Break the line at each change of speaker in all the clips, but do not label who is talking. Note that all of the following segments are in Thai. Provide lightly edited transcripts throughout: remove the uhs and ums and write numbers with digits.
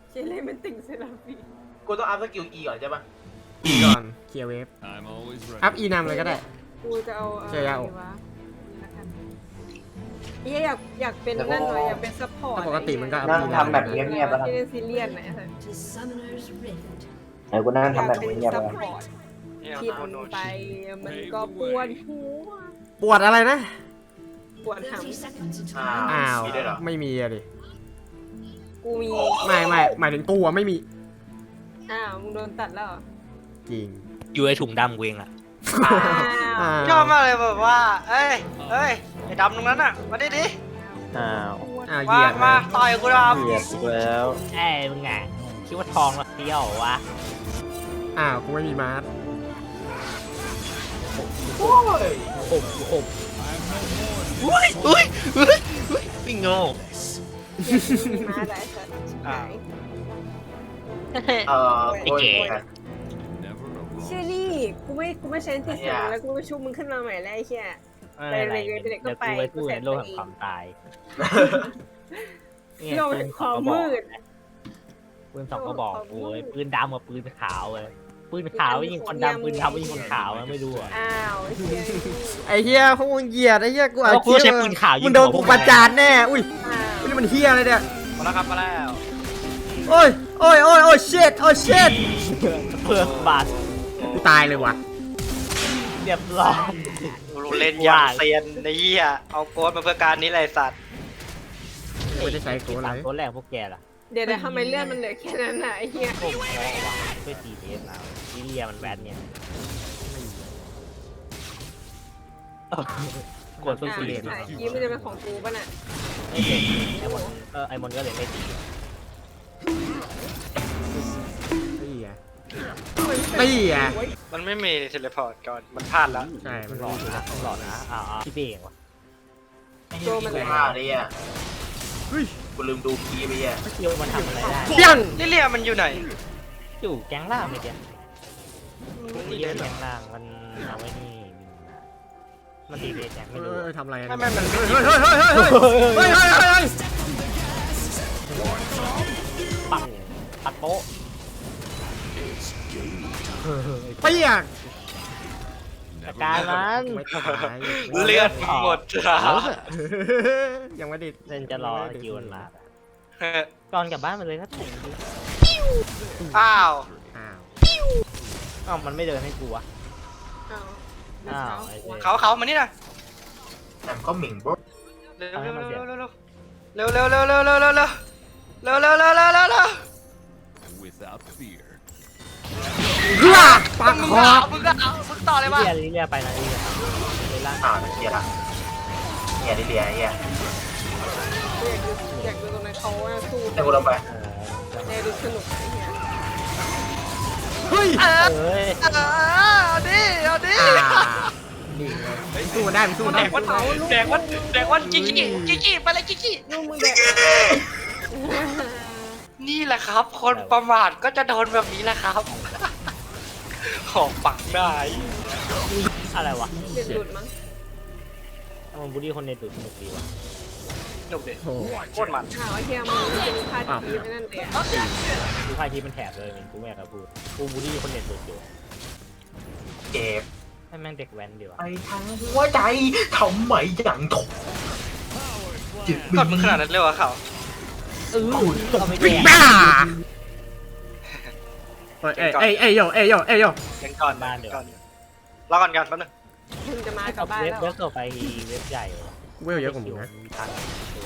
เชลเล่เป็นติ่งเซราฟี
กูต้องอัพสกิล E ก่อนใช่ปะ
อีก่อนเคลียร์เวฟอัพอีนำเลยก็ได้
กูจะเอา
เจอยาโอ
วะนี่ละกันอยากเป็นนั่นหน่อยอยากเป็นซัพพอร์ต
ถ้าปกติมันก็อัพ
นั่ง
อี
ทำแบบเงียบๆแล้ว
ที่เล่นซีเรียสไหนสัก
To Summoner's Rift.
ไหนกูนั่ง
อยาก
ทำแบบ
เป็น
เงียบๆ
ซัพ
แล้ว
พอร์ตกินไปมันก็ปวดหัว
ปวดอะไรนะ
ปวดห
30 seconds until
อ้าว
มีด้วยเหรอ
ไม่มีอะดิ
ำกูมี
ไม่หมายถึงตัวไม่มี
อ้าวมึงโดนตัดแล้วเหรอ
จริง
อยู่ในถุงดำกูเองอะ
อ้าว
อ้าว
ชอบมากเลยแบบว่า เอ้ยไอ้ดำตรงนั้นอ่ะ มาดิดิ
อ้าว
อ้าวเห
มา
ยียด
มา
เลย
ต่อยกูด
เกลียดอีกแล้ว
เอ้ยมึงไงคิดว่าทองเราเที่ยววะ
อ้าวกูไม่มีมาร์ท
โอ้ย
อุ้ยไม่โง่
มีมาได้สัตว์ชิบหาย
โอ้ย
เชื่อนี่กูไม่ใช้ที่สิงแล้วกูไปชุบมึงขึ้นมาใหม่แล้วไอ้เหี้ย
ไม่เป็นไร
ไปเลยก็
เดี๋ยว
ไป
กูไปสู้ในโลกแห่งความตาย
โลกแห่งความมืด
ปืนสองก็บอกกูเลยปืนดำกับปืนขาวเลยปืนขาวยิงคนดำปืนดำยิงคนขาวไม่รู้อ่ะ
อ้าวไอ้เหี้ย
ไอ้เฮียพวกมึงเหยียดไอ้เฮียกู
แล้วกูใช้ปืนขาวยิง
มึงโดนกูประจานแน่อุ้ย
อ้าว
นี่มันเฮียอะไรเนี่ย
ำมาแล้วครับมาแล้ว
โอ้ยเชิดโอ้เชิด
เพื่อบาด
กูตายเลยว่ะ
เรียบร้อย
กูเล่นอย่างเซียนไอ้เหี้ยเอาโค้ดมาเพื่อการนี้เลยสัตว์
ไม่ได้ใช้โค้ดอะไร
ตัวแรกพวกแกล่ะ
เดี๋ยวทำไมเลือดมันเหลือแค่นั้นน่ะไอ้เหี้ย
โอ้โหว่ะช่วยตีเบสแล้วซีเรียมันแบนเนี่ยกดสู้ซีเรีย
ถ่ายคลิปมันจะเป็นของกูป่ะน่ะ
ไม่เก่งไอมอนก็เลยไม่ตี
นี่อ่ะ
มันไม่มีเทเลพอร์ตก่อนมันพลาดแล้ว
ใช่มัน
หลอดนะหลอดนะพี่เองวะ
โจมัน
กู
เลย
ห้าเลยอ่ะกูลืมดูคีย์ไปอ่ะ
เกี่ยวมันทำอะไรได้
เปี้ยง
ลิเลียมันอยู่ไหน
อยู่แก๊งล่างไม่เกี่ยวตีเบสแก๊งล่างมันเอาไว้นี่มันตีเบสแก๊งไม่รู้
ทำอะไร
ไม่มัน
เฮ้ย
ปักปัดโป๊ะ
เปี้ยง
จัดการมัน
ไม่ตาย
เลือดหมดครับ
ยังไม่ได้
เล่นจะรอคิวมันมาก่อนกลับบ้านมาเลยนะถุง
อ้าว
อ้าว
อ้าวมันไม่เดินให้กูวะ
อ้าว
อ้าวไอ้เจ๊
เขามานี่นะ
แต่ก็หมิ่งบด
เร็วเร็วเร็วเร็วเร็วเร็วเร็วเร็วเร็วเร็วเร็วเร็วเร็วเร็วเร็วเร็วเร็วเร็ว
Without fear.
เฮือปาก
มึง
คอ
มึงต่อเลยป่ะ
ลิเลียไปนะลิเลียเลยล่าง
เฮียละเฮียดิเลียเฮีย
อยากดูตรงนั้นเขาสู้
แต่กูลงไป
เนี่ยดูสนุกไอ้เหี้ย
เฮ้ย
เอ้ย
เอาดิเอาดิ
นี่เลยสู้มันได้มันสู้มัน
แด
ได้
กวันแดกวันกิ๊กไปเลยกิ๊ก
ลูกมึงเด็ก
นี่แหละครับ คนประมาทก็จะโดนแบบนี้แหละครับของปักได้
อะไรวะ
เด็ดหลุดมั้ง
มันบูลลี่คนในตุ่มสนุกดีวะ
หนุกดิ
โอ้โห
โคตรมัน
อ้าวไอ้เหี้ยมึงจะมีพาทีไปนั่นเลยอ่ะ
ดูไพ่ที่มันแถบเลยกูไม่อยากจะพูดกูบูลลี่คนในตุ่มอยู่
เก็บ
ให้แม่งเด็กแว้นดีวะ
ไปทางหัวใจทำไมอย่างถกจิต
กดมึงขนาดนั้นเลยวะเขา
เอาไม่แก่
บ้าเอ้ยโยเอ้ยโย
ยังก่อนก่อนรอก่อนกันแป๊บนึง
มึงจะมากับบ้าน
เว็บ
แล้ว
เว็บต่อไปเว็บใหญ่
เวลเยอะกว่ามึงนะ
ทัน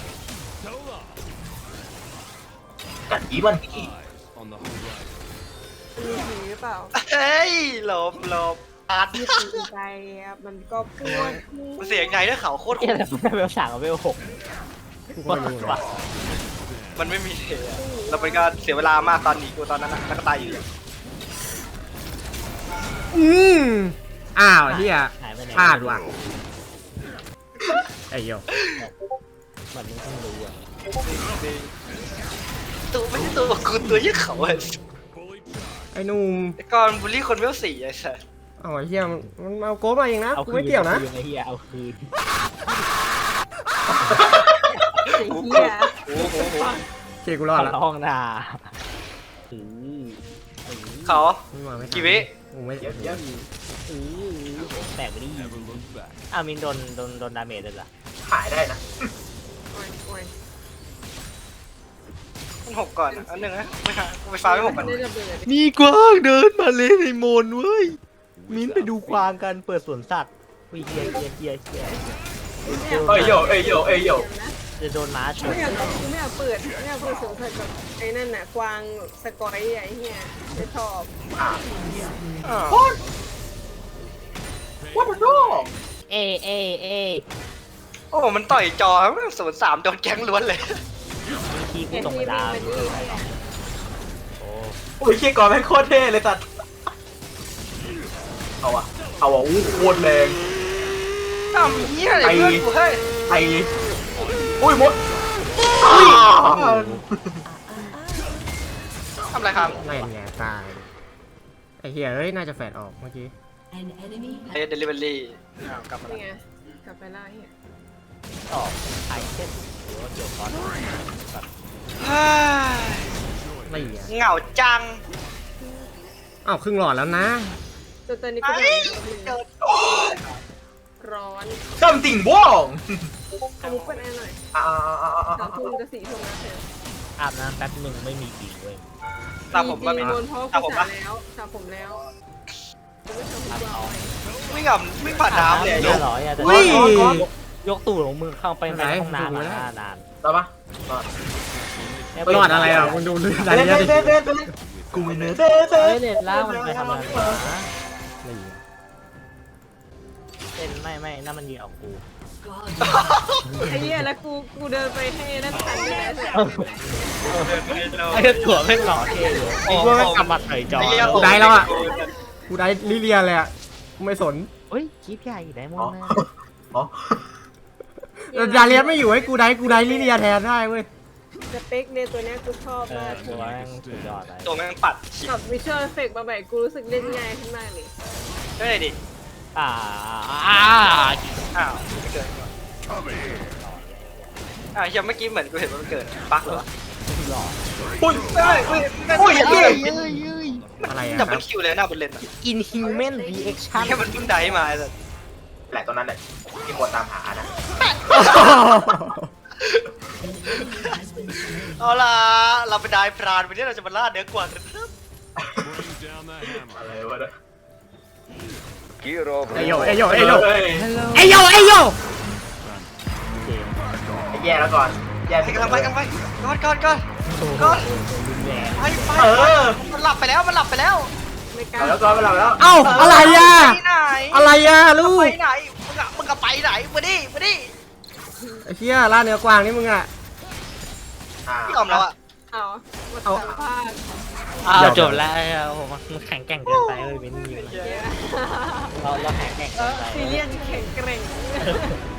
กัดอีมันอี
On the horizon.
มีผีหรือเปล่า
เฮ้ยหลบอัด
มีผีไปมันก็ปวด
มันเสียงไงด้วยเขาโคตร
เกี่ยวกับเว็บ3กับเว็บ6
กูก็ไม่รู้นะ
มันไม่มีเทเราเป็นการเสียเวลามากตอนหนีกูตอนนั้นแล้วก็ตายอยู่
อ้าวเฮีย
หายไปไหน
พลาดว่ะไอ้โย
มันมึงต้องรู้อ่ะ
ตัวไม่ใช่ตัวกูตัวยี่เขาไอ้
ไอ้นุ่ม
ก่อนบูลลี่คนเวลสี่ไอ้สัส
อ๋อเฮียมันเอาโก้มาเองนะกูไม่เกี่ยวนะ
ไอ้เหี้ยเอาคืน
ไอ้เหี้ย
โอ้โห
โอเคกูรอดแล้ว
ห้องนา
เขา
ไม่มาไม่ทัน
กี่วิ
กูไม่
เยอะเยอะ
แตกไปดิ
Never look back.
อ้าวมินโดนดาเมจเลยเหรอ
ขายได้นะ
โอ้ยโอ้ย
มันหกก่อนอันหนึ่งนะไม่หากูไปฟ้าไม่หกก่อน
ได้ระเบิด
มีกวางเดินมาเลยในโมนเว้ยมินไปดูกวางกันเปิดสวนสัตว์วิ่งเฮีย
เอ้ยโยเอ้ยโยเอ้ยโย
จะโดนม้าช
กู
น
ไม่อยากกูไม่อยากเปิดไม่อยากเปิดสวนสัตว์กับไอ้นั่นน่ะกวางสกอยไอ้เหี้ยไม่ชอบ
ว่ามันโด
เอ
โอ้มันต่อยจอ03โดนแก๊งล้วนเลย
มีทีกู
แค่
ตก
ที่
มา
วิ่ง
ดาว
มาดีเนี่ย
โอ้
โอ้ยเคียก่อนแม่งโคตรเท่เลยสัตว์เอาอะอู้โคตรแรง
ทำเหี้ยอะไรเพื่อนกูเฮ้ย
ไอ้อุ้ยมด
ทำอะไรครับ
ไม่ไงตายไอ้เหี้ยเอ้ยน่าจะแฟดออกเมื่อกี้
An enemy
เฮ้ยเดลิเวอรี่กลับมา
นี่
แล้ว
ไงกลับไปไล่เหี้ย
ต่อไอเทมหรือว่าเกี่ยวก้อน
เฮ้ย
ไม่เหี้ย
เหงาจัง
อ้าวครึ่งหลอดแล้วนะ
ตัวตอนนี้กู
ไอ้
โดน
เดิน
ร้อน
จำติ่งบ้อง
เอามุกเป็นไอ้หน่อย
อ่า
3 ทุ่มจะ4 ทุ่มแล้วเสร็จ
อาบน้ำแป๊บหนึ่งไม่มีจริงเว้ย
ตามผมมา
มี
มี
โดนเพราะ
ตาม
กู
ผม
สระ
มา
แล้วสระผมแล้วกูไม่ทำทุกวัน
วิ่งผ่านน้ำเลย
เรียบร้อยอะแต่
อุ้ย
ยกตูดของมือเข้าไปในห้องน้ำมานาน
ต่อปะ
รอดอะไรอ่ะคุณดูเลือด
เต้
อะไร
น
เย
เต้
อะ
น
ดิ
เต้นเต้นกูไม่เนื้อเต้นเต้
เฮ้ย
น
เน็ตล่างมันไปทำอะไรวะ
ไม่เหี้ย
เต้นไม่นั่นมันยิงออกกู
God
ไอ้เหี้ยแล้วกูเดินไปให้นั่นทันด้วยนะเสร็จ
ไอ้ตัวแม่งหล่อเท่อยู่ไอ้พวกแม่งกำมัดเฉยจอ
กูได้แล้วอ่ะกูได้ลิเลียเลยอ่ะกูไม่สน
เฮ้ยคลิปใหญ่ได้หมดนะ
อ๋อ
ดาเลียนไม่อยู่ให้กูได้ลิเลียแทนได้เว้ย
สเปคในตัวเนี้ยกูชอบมาก
ตัวแม่งสุดยอดเลย
ตัวแม่งปัดฉีก
กับวิชวลเอฟเฟกต์มาใหม่กูรู้สึกเล่นง่ายขึ้นมากเลย
ได้เลยดิ
อ่า
อ้าวไม่เกิดยังเมื่อกี้เหมือนกูเห็นมันเกิดบั๊กเหรอ
หล่อ
อุ้ย
เฮ้ย
อุ้ย
เฮ้ย
อะไรอ่ะ
ดับ
ค
เบิ
รั
ล
บ
คิวเลยหน้าบนเลนอ่ะ
Inhuman Reaction
แค่มันเพิ่งได้มาเลย
แหละตัวนั้นแหละที่ควรตามหานะ
เอาล่ะเราไปได้พรานวันนี้เราจะมาล่าเนื้อกวางกัน
Bring down the hammer.
อะไรวะเนี่ย
ไอโยไอโยไอโย
เฮ้ย
ไอโยไอโย
แย่แล้วก่อนแย่
ไป
สิ
กันไปก่อนก่อน
รุนแรง
ไป
เออ
มันหลับไปแล้วมันหลับไปแล้ว
ไม่กล้า
เอาแล้วก่อนไปแล้ว
เอ้าอะไรอ่ะ
ไปไหน
อะไรอ่ะลู
ไป
ก
ไหนมึงก็ไปไหนมาดิ
ไอ้เหี้ยล่าเนื้อกวางนี่มึงอ่ะ
พี่ยอมแล้วอ่ะ
เอามา
เอา
สัมภาษณ์
อ้าวจบแล้วผมมันแข็งแกร่งเกินไปเลยเป็นยิงเราแข็งแกร่ง
เอ
เกิน
อ
ไป
ซีเรียสแข็งแกร่ง